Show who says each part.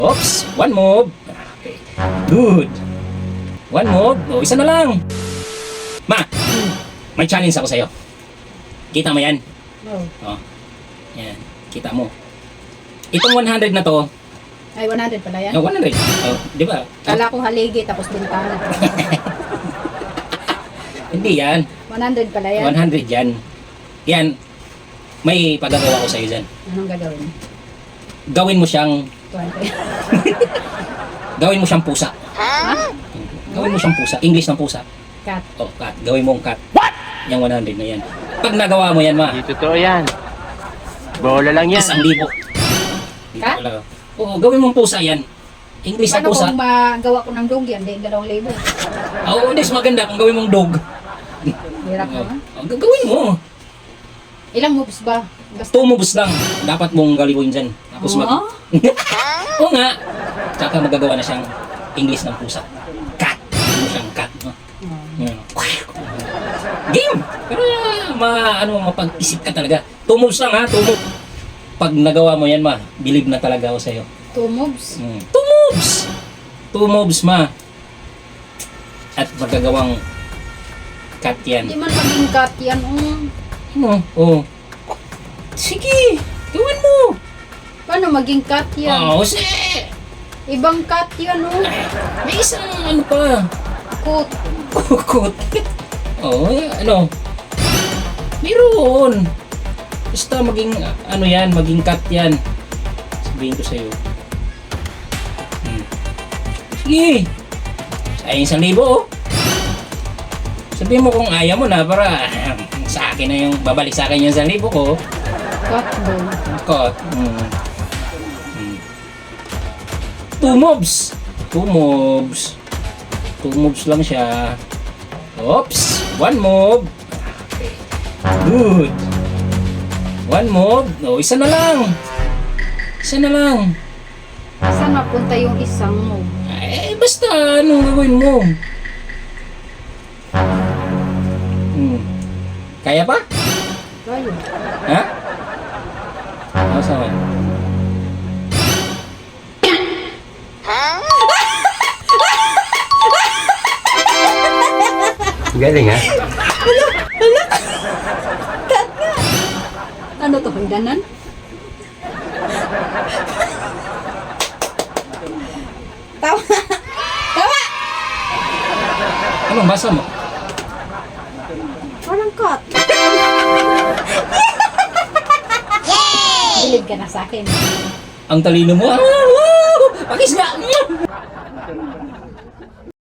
Speaker 1: Oops, one move. Okay. Good. One move. O, isa na lang. Ma, may challenge ako sa'yo. Kita mo yan?
Speaker 2: Oh.
Speaker 1: O, yan. Kita mo. Itong 100 na to,
Speaker 2: Ay, 100 pala yan?
Speaker 1: 100. Oh, di ba?
Speaker 2: Kala ko haligi tapos bintana.
Speaker 1: Hindi yan.
Speaker 2: 100 pala yan?
Speaker 1: 100 yan. Yan. May pagagawa ko sa'yo dyan.
Speaker 2: Anong gagawin?
Speaker 1: Gawin mo siyang
Speaker 2: 20.
Speaker 1: Gawin mo siyang pusa.
Speaker 2: Ha?
Speaker 1: Gawin mo siyang pusa. English ng pusa.
Speaker 2: Cat.
Speaker 1: Oh, cat. Gawin mong cat. What? Yung 100 na yan. Pag nagawa mo yan, ma,
Speaker 3: Hindi totoo yan. Bola lang yan.
Speaker 1: 1,000.
Speaker 2: Cat?
Speaker 1: Oo, gawin mong pusa yan. English ng
Speaker 2: Paano
Speaker 1: pusa.
Speaker 2: kung magawa ko ng dog yan? Di 2,000.
Speaker 1: Oo, hindi. Mas maganda kung gawin mong dog.
Speaker 2: Hirap naman.
Speaker 1: Oh, gawin mo.
Speaker 2: Ilang moves ba? Basta.
Speaker 1: 2 moves lang. Dapat mong galiwin dyan. Tapos mag...
Speaker 2: Oh?
Speaker 1: Oo nga. Tsaka magagawa na siyang English ng pusa. Cat. Gawin mo siyang cat. No? Yan. Game! Pero mapag-isip ka talaga. 2 moves lang ha, 2 moves. Pag nagawa mo yan, ma, believe na talaga ako sa'yo.
Speaker 2: 2 moves?
Speaker 1: 2 moves! 2 moves, ma. At magagawang cat yan.
Speaker 2: Hindi man maging cat yan.
Speaker 1: Ano? Oo. Sige! Gawin mo!
Speaker 2: Paano maging cat yan?
Speaker 1: Oo, sige!
Speaker 2: Ibang cat yan,
Speaker 1: May isang ano pa.
Speaker 2: Coat.
Speaker 1: Kukot. Oo, ano? Meron. Basta maging, ano yan, maging cat yan. Sabihin ko sa'yo. Sige. Ayun 1,000, oh. Sabihin mo kung ayaw mo na para sa akin na yung, babalik sa akin yung 1,000 ko.
Speaker 2: Cat doon.
Speaker 1: Cut. 2 moves. 2 moves. 2 moves lang siya. Oops. 1 move. Okay. Good. 1 move. No, isa na lang. Isa na lang.
Speaker 2: Saan napunta yung isang move?
Speaker 1: Eh, basta anong gagawin mo? Kaya pa?
Speaker 2: Kaya.
Speaker 1: Ha? Ano sa akin?
Speaker 3: Galing ha?
Speaker 2: Ano to? Hagdanan? Tawa! Tawa!
Speaker 1: Anong basa mo?
Speaker 2: Parang cat. Bilib ka na sa akin.
Speaker 1: Ang talino mo. Pakisga!